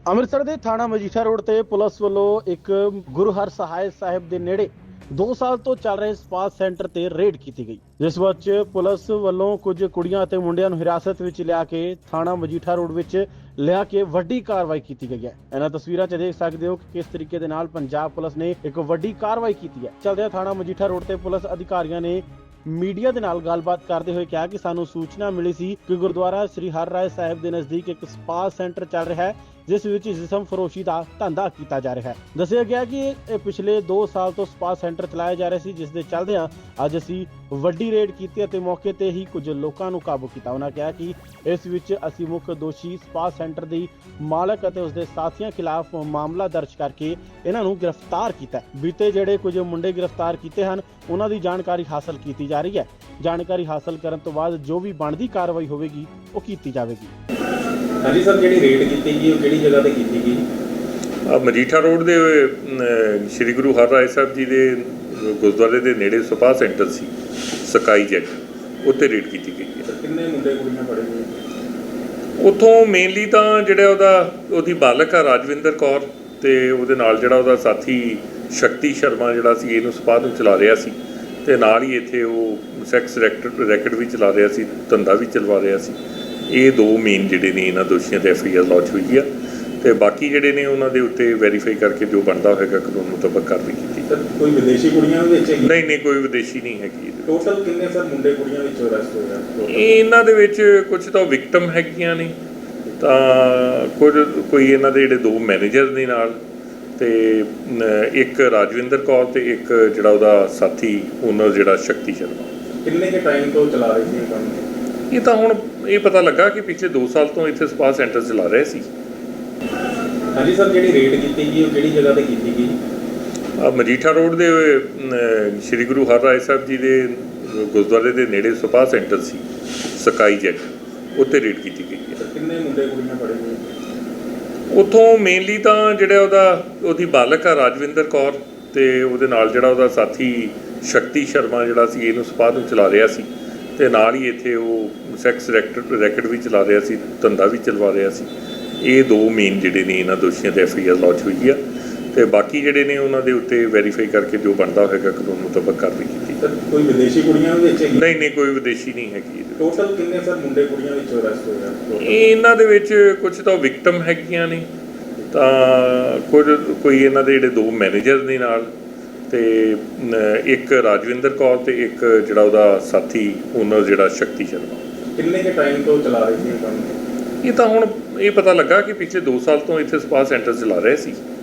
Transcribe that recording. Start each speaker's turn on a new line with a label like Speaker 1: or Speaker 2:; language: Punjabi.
Speaker 1: ਅੰਮ੍ਰਿਤਸਰ ਦੇ ਥਾਣਾ ਮਜੀਠਾ ਰੋਡ ਤੇ ਪੁਲਿਸ ਵੱਲੋਂ ਇੱਕ ਗੁਰੂ ਹਰ ਸਹਾਇ ਸਾਹਿਬ ਦੇ ਨੇੜੇ 2 ਸਾਲ ਤੋਂ ਚੱਲ ਰਹੇ ਸਪਾ ਸੈਂਟਰ ਤੇ ਰੇਡ ਕੀਤੀ ਗਈ, ਜਿਸ ਵਿੱਚ ਪੁਲਿਸ ਵੱਲੋਂ ਕੁਝ ਕੁੜੀਆਂ ਅਤੇ ਮੁੰਡਿਆਂ ਨੂੰ ਹਿਰਾਸਤ ਵਿੱਚ ਲਿਆ ਕੇ ਥਾਣਾ ਮਜੀਠਾ ਰੋਡ ਵਿੱਚ ਲਿਆ ਕੇ ਵੱਡੀ ਕਾਰਵਾਈ ਕੀਤੀ ਗਈ ਹੈ। ਇਹਨਾਂ ਤਸਵੀਰਾਂ 'ਚ ਦੇਖ ਸਕਦੇ ਹੋ ਕਿ ਕਿਸ ਤਰੀਕੇ ਦੇ ਨਾਲ ਪੰਜਾਬ ਪੁਲਿਸ ਨੇ ਇੱਕ ਵੱਡੀ ਕਾਰਵਾਈ ਕੀਤੀ ਹੈ। ਚਲਦਿਆਂ ਥਾਣਾ ਮਜੀਠਾ ਰੋਡ ਤੇ ਪੁਲਿਸ ਅਧਿਕਾਰੀਆਂ ਨੇ ਮੀਡੀਆ ਦੇ ਨਾਲ ਗੱਲਬਾਤ ਕਰਦੇ ਹੋਏ ਕਿਹਾ ਕਿ ਸਾਨੂੰ ਸੂਚਨਾ ਮਿਲੀ ਸੀ ਕਿ ਗੁਰਦੁਆਰਾ ਸ੍ਰੀ ਹਰਿ ਰਾਇ ਸਾਹਿਬ ਦੇ ਨਜ਼ਦੀਕ ਇੱਕ ਸਪਾ ਸੈਂਟਰ ਚੱਲ ਰਿਹਾ ਹੈ, ਜਿਸ ਵਿੱਚ ਜਿਸਮ ਫਰੋਸ਼ੀ ਦਾ ਧੰਦਾ ਕੀਤਾ ਜਾ ਰਿਹਾ ਹੈ। ਦੱਸਿਆ ਗਿਆ ਕਿ ਇਹ ਪਿਛਲੇ 2 ਸਾਲ ਤੋਂ ਸਪਾ ਸੈਂਟਰ ਚਲਾਇਆ ਜਾ ਰਿਹਾ ਸੀ, ਜਿਸ ਦੇ ਚੱਲਦਿਆਂ ਅੱਜ ਅਸੀਂ ਵੱਡੀ ਰੇਡ ਕੀਤੀ ਅਤੇ ਮੌਕੇ ਤੇ ਹੀ ਕੁਝ ਲੋਕਾਂ ਨੂੰ ਕਾਬੂ ਕੀਤਾ। ਉਹਨਾਂ ਕਿਹਾ ਕਿ ਇਸ ਵਿੱਚ ਅਸੀਂ ਮੁੱਖ ਦੋਸ਼ੀ ਸਪਾ ਸੈਂਟਰ ਦੀ ਮਾਲਕ ਅਤੇ ਉਸਦੇ ਸਾਥੀਆਂ ਖਿਲਾਫ ਮਾਮਲਾ ਦਰਜ ਕਰਕੇ ਇਹਨਾਂ ਨੂੰ ਗ੍ਰਿਫਤਾਰ ਕੀਤਾ। ਬੀਤੇ ਜਿਹੜੇ ਕੁਝ ਮੁੰਡੇ ਗ੍ਰਿਫਤਾਰ ਕੀਤੇ ਹਨ, ਉਹਨਾਂ ਦੀ ਜਾਣਕਾਰੀ ਹਾਸਲ ਕੀਤੀ ਜਾ ਰਹੀ ਹੈ। ਜਾਣਕਾਰੀ ਹਾਸਲ ਕਰਨ ਤੋਂ ਬਾਅਦ ਜੋ ਵੀ ਬਣਦੀ ਕਾਰਵਾਈ ਹੋਵੇਗੀ ਉਹ ਕੀਤੀ ਜਾਵੇਗੀ।
Speaker 2: ਹਾਂਜੀ ਸਰ, ਜਿਹੜੀ ਰੇਡ ਕੀਤੀ ਗਈ ਉਹ ਕਿਹੜੀ ਜਗ੍ਹਾ ਤੇ ਕੀਤੀ ਗਈ?
Speaker 3: ਮਜੀਠਾ ਰੋਡ ਦੇ ਸ਼੍ਰੀ ਗੁਰੂ ਹਰਿ ਰਾਇ ਸਾਹਿਬ ਜੀ ਦੇ ਗੁਰਦੁਆਰੇ ਦੇ ਨੇੜੇ ਸਪਾ ਸੈਂਟਰ ਸੀ ਸਕਾਈ ਜੈਟ, ਉੱਥੇ ਰੇਡ ਕੀਤੀ ਗਈ ਹੈ।
Speaker 2: ਕਿੰਨੇ ਮੁੰਡੇ ਕੁੜੀਆਂ ਫੜੇ ਗਏ?
Speaker 3: ਉੱਥੋਂ ਮੇਨਲੀ ਤਾਂ ਜਿਹੜਾ ਉਹਦੀ ਬਾਲਕ ਆ ਰਾਜਵਿੰਦਰ ਕੌਰ, ਤੇ ਉਹਦੇ ਨਾਲ ਜਿਹੜਾ ਉਹਦਾ ਸਾਥੀ ਸ਼ਕਤੀ ਸ਼ਰਮਾ ਜਿਹੜਾ ਸੀ ਇਹਨੂੰ ਸਪਾ ਨੂੰ ਚਲਾ ਰਿਹਾ ਸੀ, ਤੇ ਨਾਲ ਹੀ ਇੱਥੇ ਉਹ ਸੈਕਸ ਰੈਕਟ ਵੀ ਚਲਾ ਰਿਹਾ ਸੀ, ਧੰਦਾ ਵੀ ਚਲਵਾ ਰਿਹਾ ਸੀ। ਇਹ 2 ਮੇਨ ਜਿਹੜੇ ਨੇ ਇਹਨਾਂ ਦੋਸ਼ੀਆਂ ਤੇ FIR ਲਾਂਚ ਹੋਈ ਆ, ਤੇ ਬਾਕੀ ਜਿਹੜੇ ਨੇ ਉਹਨਾਂ ਦੇ ਉੱਤੇ ਵੈਰੀਫਾਈ ਕਰਕੇ ਜੋ ਬਣਦਾ ਹੋਏਗਾ ਕਾਨੂੰਨ ਮੁਤਾਬਕ ਕਾਰਵਾਈ ਕੀਤੀ।
Speaker 2: ਸਰ ਕੋਈ ਵਿਦੇਸ਼ੀ ਕੁੜੀਆਂ ਵੀ ਵਿੱਚ ਹੈਗੀ?
Speaker 3: ਨਹੀਂ, ਕੋਈ ਵਿਦੇਸ਼ੀ ਨਹੀਂ ਹੈਗੀ।
Speaker 2: ਟੋਟਲ ਕਿੰਨੇ ਸਰ ਮੁੰਡੇ ਕੁੜੀਆਂ ਵਿੱਚ ਅਰੈਸਟ ਹੋਏ ਆ?
Speaker 3: ਇਹਨਾਂ ਦੇ ਵਿੱਚ ਕੁਝ ਤਾਂ ਵਿਕਟਮ ਹੈਗੀਆਂ ਨੇ, ਤਾਂ ਕੋਈ ਇਹਨਾਂ ਦੇ ਜਿਹੜੇ 2 ਮੈਨੇਜਰ ਨੇ ਨਾਲ, ਤੇ ਇੱਕ ਰਾਜਵਿੰਦਰ ਕੌਰ ਤੇ ਇੱਕ ਜਿਹੜਾ ਉਹਦਾ ਸਾਥੀ ਓਨਰ ਜਿਹੜਾ ਸ਼ਕਤੀ ਸ਼ਰਮਾ।
Speaker 2: ਕਿੰਨੇ ਕੇ ਟਾਈਮ ਤੋਂ ਚਲਾ ਰਹੇ ਸੀ ਇਹ ਕੰਮ?
Speaker 3: ਇਹ ਤਾਂ ਹੁਣ ਇਹ ਪਤਾ ਲੱਗਾ ਕਿ ਪਿਛਲੇ 2 ਸਾਲ ਤੋਂ ਇੱਥੇ ਸਪਾ ਸੈਂਟਰ ਚਲਾ ਰਹੇ ਸੀ।
Speaker 2: ਹਾਂਜੀ ਸਰ, ਜਿਹੜੀ ਰੇਡ ਕੀਤੀ ਗਈ ਉਹ ਕਿਹੜੀ ਜਗ੍ਹਾ ਤੇ ਕੀਤੀ ਗਈ?
Speaker 3: ਮਜੀਠਾ ਰੋਡ ਦੇ ਸ਼੍ਰੀ ਗੁਰੂ ਹਰਿ ਰਾਇ ਸਾਹਿਬ ਜੀ ਦੇ ਗੁਰਦੁਆਰੇ ਦੇ ਨੇੜੇ ਸਪਾ ਸੈਂਟਰ ਸੀ ਸਕਾਈ ਜੈਟ, ਉੱਥੇ ਰੇਡ ਕੀਤੀ ਗਈ ਹੈ।
Speaker 2: ਕਿੰਨੇ ਮੁੰਡੇ ਕੁੜੀਆਂ ਫੜੇ ਗਏ?
Speaker 3: ਉੱਥੋਂ ਮੇਨਲੀ ਤਾਂ ਜਿਹੜਾ ਉਹਦੀ ਬਾਲਕ ਆ ਰਾਜਵਿੰਦਰ ਕੌਰ, ਤੇ ਉਹਦੇ ਨਾਲ ਜਿਹੜਾ ਉਹਦਾ ਸਾਥੀ ਸ਼ਕਤੀ ਸ਼ਰਮਾ ਜਿਹੜਾ ਸੀ ਇਹਨੂੰ ਸਪਾ ਨੂੰ ਚਲਾ ਰਿਹਾ ਸੀ, ਤੇ ਨਾਲ ਹੀ ਇੱਥੇ ਉਹ ਸੈਕਸ ਰੈਕਟ ਵੀ ਚਲਾ ਰਿਹਾ ਸੀ, ਧੰਦਾ ਵੀ ਚਲਵਾ ਰਿਹਾ ਸੀ। ਇਹ 2 ਮੇਨ ਜਿਹੜੇ ਨੇ ਇਹਨਾਂ ਦੋਸ਼ੀਆਂ ਤੇ FIR ਲਾਂਚ ਹੋਈ ਆ, ਤੇ ਬਾਕੀ ਜਿਹੜੇ ਨੇ ਉਹਨਾਂ ਦੇ ਉੱਤੇ ਵੈਰੀਫਾਈ ਕਰਕੇ ਜੋ ਬਣਦਾ ਹੋਏਗਾ ਕਾਨੂੰਨ ਮੁਤਾਬਕ ਕਾਰਵਾਈ ਕੀਤੀ।
Speaker 2: ਸਰ ਕੋਈ ਵਿਦੇਸ਼ੀ ਕੁੜੀਆਂ ਵੀ ਵਿੱਚ ਹੈਗੀ?
Speaker 3: ਨਹੀਂ, ਕੋਈ ਵਿਦੇਸ਼ੀ ਨਹੀਂ ਹੈਗੀ।
Speaker 2: ਟੋਟਲ ਕਿੰਨੇ ਸਰ ਮੁੰਡੇ ਕੁੜੀਆਂ ਵਿੱਚ ਅਰੈਸਟ ਹੋਏ ਆ?
Speaker 3: ਇਹਨਾਂ ਦੇ ਵਿੱਚ ਕੁਝ ਤਾਂ ਵਿਕਟਮ ਹੈਗੀਆਂ ਨੇ, ਤਾਂ ਕੋਈ ਇਹਨਾਂ ਦੇ ਜਿਹੜੇ 2 ਮੈਨੇਜਰ ਨੇ ਨਾਲ, ਤੇ ਇੱਕ ਰਾਜਵਿੰਦਰ ਕੌਰ ਤੇ ਇੱਕ ਜਿਹੜਾ ਉਹਦਾ ਸਾਥੀ ਓਨਰ ਜਿਹੜਾ ਸ਼ਕਤੀ ਸ਼ਰਮਾ।
Speaker 2: ਕਿੰਨੇ ਕੇ ਟਾਈਮ ਤੋਂ ਚਲਾ ਰਹੇ ਸੀ ਇਹ ਕੰਮ?
Speaker 3: ਇਹ ਤਾਂ ਹੁਣ ਇਹ ਪਤਾ ਲੱਗਾ ਕਿ ਪਿਛਲੇ 2 ਸਾਲ ਤੋਂ ਇੱਥੇ ਸਪਾ ਸੈਂਟਰ ਚਲਾ ਰਹੇ ਸੀ।